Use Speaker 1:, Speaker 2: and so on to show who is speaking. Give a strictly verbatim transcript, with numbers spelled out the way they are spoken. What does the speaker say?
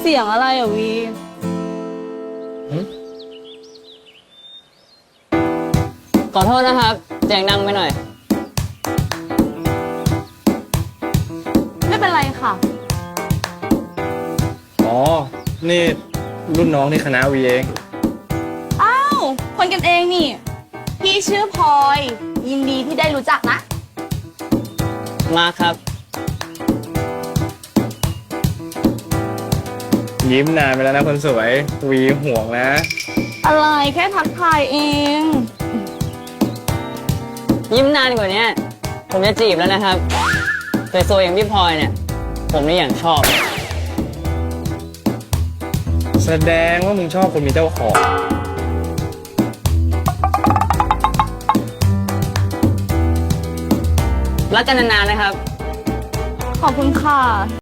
Speaker 1: เสียงอะไรอ่ะวี
Speaker 2: ขอโทษนะครับเสียงดังไปหน่อย
Speaker 1: ไม่เป็นไรค่ะ
Speaker 3: อ๋อ นี่รุ่นน้องในคณะวีเอง
Speaker 1: อ้าวคนกันเองนี่ พี่ชื่อพลอย ยินดีที่ได้รู้จักนะ
Speaker 2: มาครับ
Speaker 3: ยิ้มนานไปแล้วนะคนสวย วีห่วงนะ
Speaker 1: อะไรแค่ทักทายเอง
Speaker 2: ยิ้มนานกว่านี้ผมจะจีบแล้วนะครับสวยๆอย่างพี่พลอยเนี่ย ผมนี่อย่างชอบ
Speaker 3: แสดงว่ามึงชอบคนมีเจ้าของ
Speaker 2: รักกันนานๆนะครับ
Speaker 1: ขอบคุณค่ะ